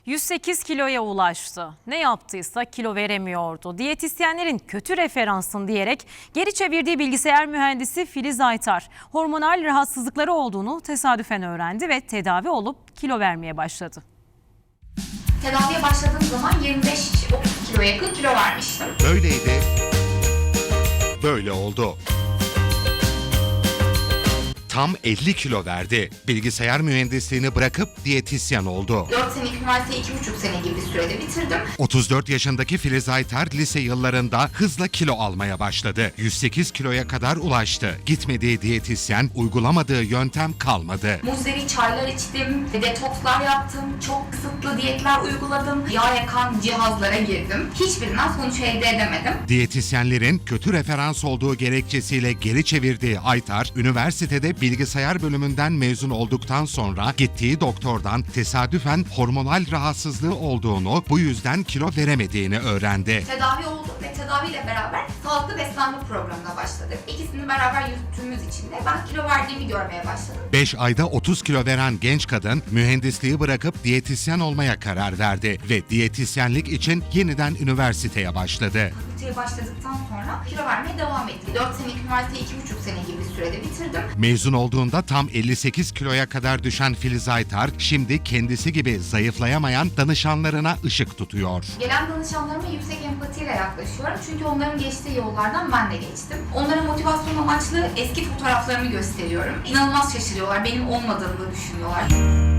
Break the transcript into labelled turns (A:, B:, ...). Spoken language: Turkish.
A: 108 kiloya ulaştı. Ne yaptıysa kilo veremiyordu. Diyetisyenlerin kötü referansın diyerek geri çevirdiği bilgisayar mühendisi Filiz Aytar, hormonal rahatsızlıkları olduğunu tesadüfen öğrendi ve tedavi olup kilo vermeye başladı.
B: Tedaviye başladığım zaman 25-30 kiloya yakın kilo vermiştim.
C: Böyleydi, böyle oldu. Tam 50 kilo verdi. Bilgisayar mühendisliğini bırakıp diyetisyen oldu.
B: 4 senelik üniversiteyi 2,5 sene gibi bir sürede bitirdim.
C: 34 yaşındaki Filiz Aytar lise yıllarında hızla kilo almaya başladı. 108 kiloya kadar ulaştı. Gitmediği diyetisyen, uygulamadığı yöntem kalmadı.
B: Muzeri çaylar içtim, detokslar yaptım, çok kısıtlı diyetler uyguladım, yağ yakan cihazlara girdim. Hiçbirinden sonuç elde edemedim.
C: Diyetisyenlerin kötü referans olduğu gerekçesiyle geri çevirdiği Aytar, üniversitede bilgisayar bölümünden mezun olduktan sonra gittiği doktordan tesadüfen hormonal rahatsızlığı olduğunu, bu yüzden kilo veremediğini öğrendi.
B: Tedavi oldum ve tedaviyle beraber sağlıklı beslenme programına başladık. İkisini beraber yürüttüğümüz için de ben kilo verdiğimi görmeye başladım.
C: 5 ayda 30 kilo veren genç kadın mühendisliği bırakıp diyetisyen olmaya karar verdi ve diyetisyenlik için yeniden üniversiteye başladı.
B: Fakülteye başladıktan sonra kilo vermeye devam ettim. 4 senelik üniversiteyi 2,5 sene gibi bir sürede bitirdim.
C: Mezun olduğunda tam 58 kiloya kadar düşen Filiz Aytar, şimdi kendisi gibi zayıflayamayan danışanlarına ışık tutuyor.
B: Gelen danışanlarıma yüksek empatiyle yaklaşıyorum. Çünkü onların geçtiği yollardan ben de geçtim. Onlara motivasyon amaçlı eski fotoğraflarımı gösteriyorum. İnanılmaz şaşırıyorlar. Benim olmadığımı düşünüyorlar.